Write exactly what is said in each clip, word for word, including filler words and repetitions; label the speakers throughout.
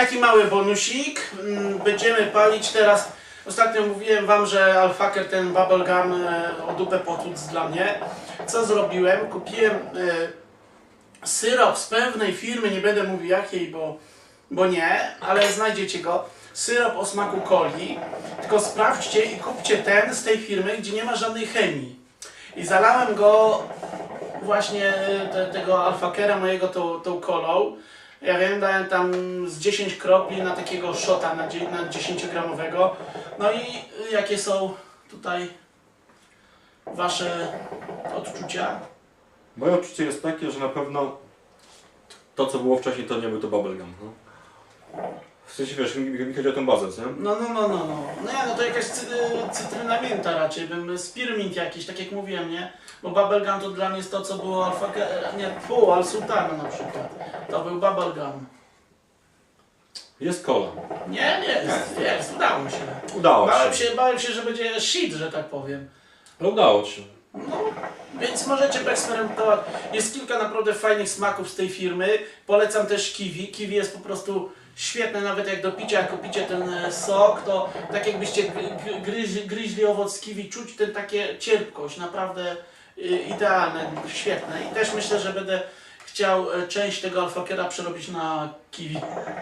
Speaker 1: taki mały bonusik. Będziemy palić teraz. Ostatnio mówiłem wam, że Alfaker ten bubblegum o dupę potłuc dla mnie. Co zrobiłem? Kupiłem y, syrop z pewnej firmy, nie będę mówił jakiej, bo, bo nie, ale znajdziecie go. Syrop o smaku coli. Tylko sprawdźcie i kupcie ten z tej firmy, gdzie nie ma żadnej chemii. I zalałem go właśnie te, tego Alfakera mojego tą, tą kolą. Ja wiem, dałem tam z dziesięć kropli na takiego shota, na, na dziesięciogramowego. No i jakie są tutaj wasze odczucia?
Speaker 2: Moje odczucie jest takie, że na pewno to, co było wcześniej, to nie był to bubblegum. No. W sensie, wiesz, mi, mi chodzi o tę bazę, nie?
Speaker 1: No, no, no, no, no. No nie, no to jakaś cy, cytryna mięta raczej, bym spearmint jakiś, tak jak mówiłem, nie? Bo bubblegum to dla mnie jest to, co było alfa, nie, fu, al sultana na przykład. To był bubblegum.
Speaker 2: Jest cola.
Speaker 1: Nie, nie, jest, jest, udało się.
Speaker 2: Udało
Speaker 1: Bałem
Speaker 2: się.
Speaker 1: się, bałem się, że będzie shit, że tak powiem.
Speaker 2: Ale udało się.
Speaker 1: No, więc możecie poeksperymentować. Jest kilka naprawdę fajnych smaków z tej firmy. Polecam też kiwi. Kiwi jest po prostu świetne, nawet jak do picia, jak kupicie ten sok, to tak jakbyście gryźli, gryźli owoc z kiwi, czuć tę takie cierpkość, naprawdę idealne, świetne. I też myślę, że będę chciał część tego Alfakera przerobić na kiwi.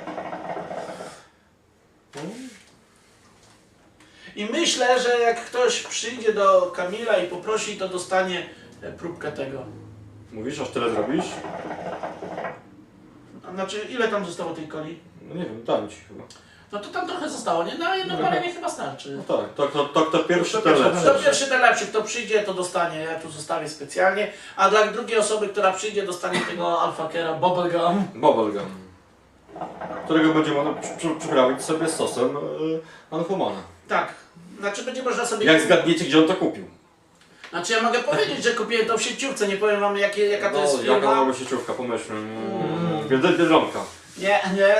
Speaker 1: I myślę, że jak ktoś przyjdzie do Kamila i poprosi, to dostanie próbkę tego.
Speaker 2: Mówisz, aż tyle zrobisz?
Speaker 1: A znaczy, ile tam zostało tej coli?
Speaker 2: No nie wiem, dam ci chyba.
Speaker 1: No to tam trochę zostało, nie? Na jedno palenie chyba starczy.
Speaker 2: No tak, to, to, to, to pierwszy,
Speaker 1: To
Speaker 2: ten
Speaker 1: pierwszy,
Speaker 2: lepszy.
Speaker 1: to pierwszy ten lepszy, kto przyjdzie, to dostanie, ja tu zostawię specjalnie. A dla drugiej osoby, która przyjdzie, dostanie tego Alfakera bubblegum.
Speaker 2: Bubblegum. Którego będzie można przy, przy, przyprawić sobie z sosem yy, Anfumana.
Speaker 1: Tak, znaczy będzie można sobie...
Speaker 2: Jak zgadniecie, gdzie on to kupił?
Speaker 1: Znaczy ja mogę powiedzieć, że kupiłem to w sieciówce, nie powiem wam jakie, jaka to jest
Speaker 2: No, jaka
Speaker 1: firma.
Speaker 2: mała sieciówka, pomyślmy. Mm. Biedronka.
Speaker 1: Nie, nie.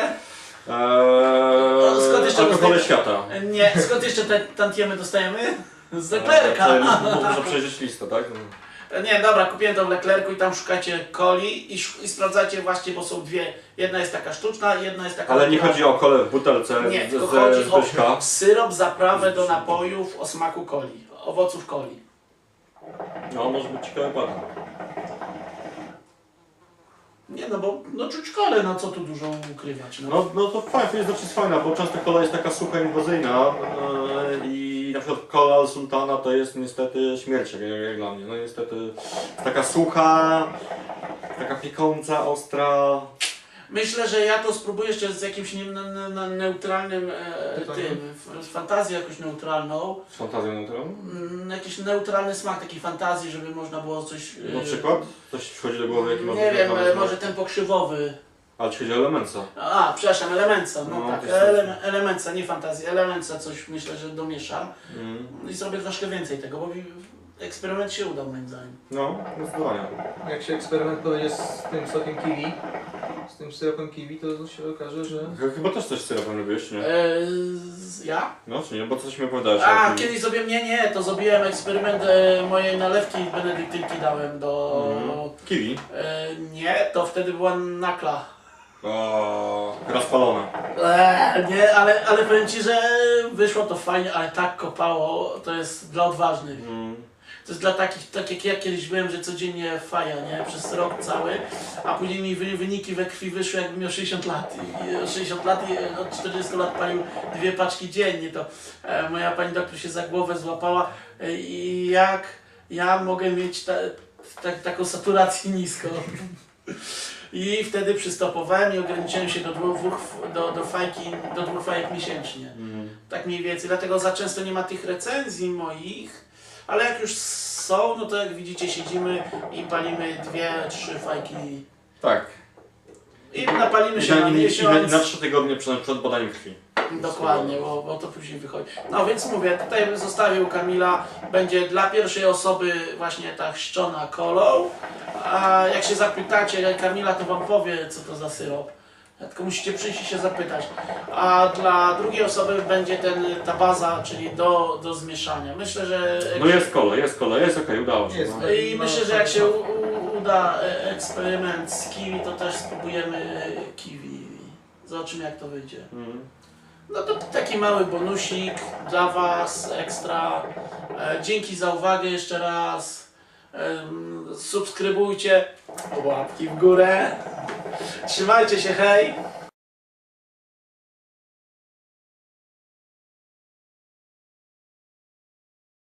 Speaker 2: Eee,
Speaker 1: Skąd jeszcze
Speaker 2: alkohole
Speaker 1: dostajemy?
Speaker 2: świata.
Speaker 1: Nie, skąd jeszcze te tantiemy dostajemy? Z Leclerca.
Speaker 2: Eee, muszę przejrzeć listę, tak?
Speaker 1: Nie, dobra, kupiłem to w Leclercu i tam szukacie coli i, i sprawdzacie właśnie, bo są dwie. Jedna jest taka sztuczna, jedna jest taka...
Speaker 2: Ale nie chodzi o kolę w butelce
Speaker 1: Nie,
Speaker 2: z,
Speaker 1: tylko
Speaker 2: z,
Speaker 1: chodzi
Speaker 2: z Zbyszka.
Speaker 1: o syrop, zaprawę do napojów o smaku coli, owoców coli.
Speaker 2: No, może być ciekawy patent.
Speaker 1: Nie no, bo no czuć kolę, no co tu dużo ukrywać. No.
Speaker 2: No, no to fajnie, to jest dosyć fajna, bo często kola jest taka sucha, inwazyjna yy, i na przykład kola sultana to jest niestety śmierć, jak, jak dla mnie. No niestety taka sucha, taka piekąca, ostra.
Speaker 1: Myślę, że ja to spróbuję jeszcze z jakimś nie, ne, ne, neutralnym e, tym, z fantazją jakąś neutralną.
Speaker 2: Z fantazją naturalną?
Speaker 1: Mm, jakiś neutralny smak takiej fantazji, żeby można było coś... E,
Speaker 2: Na przykład? Coś ci wchodzi do głowy? Jaki
Speaker 1: nie wiem, e, może ten pokrzywowy.
Speaker 2: Ale ci chodzi o elemenca.
Speaker 1: A, przepraszam, Elemenca, no,
Speaker 2: No,
Speaker 1: tak,
Speaker 2: to jest-
Speaker 1: ele, Elemenca, nie fantazji, Elemenca coś myślę, że domieszam
Speaker 2: Mm.
Speaker 1: i zrobię troszkę więcej tego, bo mi eksperyment się udał moim zdaniem.
Speaker 2: No, zdecydowanie.
Speaker 3: Jak się eksperyment powiedzie z tym sokiem kiwi, z tym syropem kiwi, to się okaże, że...
Speaker 2: Ch- Chyba też coś z syropem lubisz, nie?
Speaker 1: Eee, ja?
Speaker 2: No, czy nie? Bo coś mi opowiadałeś.
Speaker 1: A,
Speaker 2: jak-
Speaker 1: kiedyś zrobiłem, nie, nie, to zrobiłem eksperyment e, mojej nalewki benedyktynki dałem do...
Speaker 2: Mhm. Kiwi.
Speaker 1: E, nie, to wtedy była nakla.
Speaker 2: O, rozpalone.
Speaker 1: Eee, nie, ale, ale powiem Ci, że wyszło to fajnie, ale tak kopało, to jest dla odważnych.
Speaker 2: Mm.
Speaker 1: To jest dla takich, tak jak ja kiedyś byłem, że codziennie faja, nie? Przez rok cały, a później mi wy- wyniki we krwi wyszły jakbym miał sześćdziesiąt lat. I o sześćdziesiąt lat i od czterdziestu lat palił dwie paczki dziennie. To e, moja pani doktor się za głowę złapała e, i jak ja mogę mieć ta, ta, taką saturację niską. I wtedy przystopowałem i ograniczyłem się do dwóch, do, do, fajki, do dwóch fajek miesięcznie.
Speaker 2: Mm.
Speaker 1: Tak mniej więcej, dlatego za często nie ma tych recenzji moich. Ale jak już są, no to jak widzicie siedzimy i palimy dwie, trzy fajki
Speaker 2: Tak.
Speaker 1: i napalimy
Speaker 2: I
Speaker 1: się
Speaker 2: na,
Speaker 1: na
Speaker 2: i, i, na,
Speaker 1: miesiąc.
Speaker 2: na trzy tygodnie przed, przed badaniem krwi.
Speaker 1: Dokładnie, bo, bo to później wychodzi. No więc mówię, tutaj zostawił Kamila, będzie dla pierwszej osoby właśnie ta chrzczona kolą. A jak się zapytacie Kamila, to wam powie, co to za syrop. Tylko musicie przyjść i się zapytać. A dla drugiej osoby będzie ten, ta baza, czyli do, do zmieszania. Myślę, że...
Speaker 2: No jest kola, jest kola, jest okej, okay, udało się.
Speaker 3: Jest.
Speaker 2: No.
Speaker 1: I myślę, że jak się u, u, uda e, eksperyment z kiwi, to też spróbujemy kiwi Zobaczymy jak to wyjdzie.
Speaker 2: Mhm.
Speaker 1: No to taki mały bonusik dla Was, ekstra. E, dzięki za uwagę jeszcze raz. E, subskrybujcie, łapki w górę. Trzymajcie się, hej!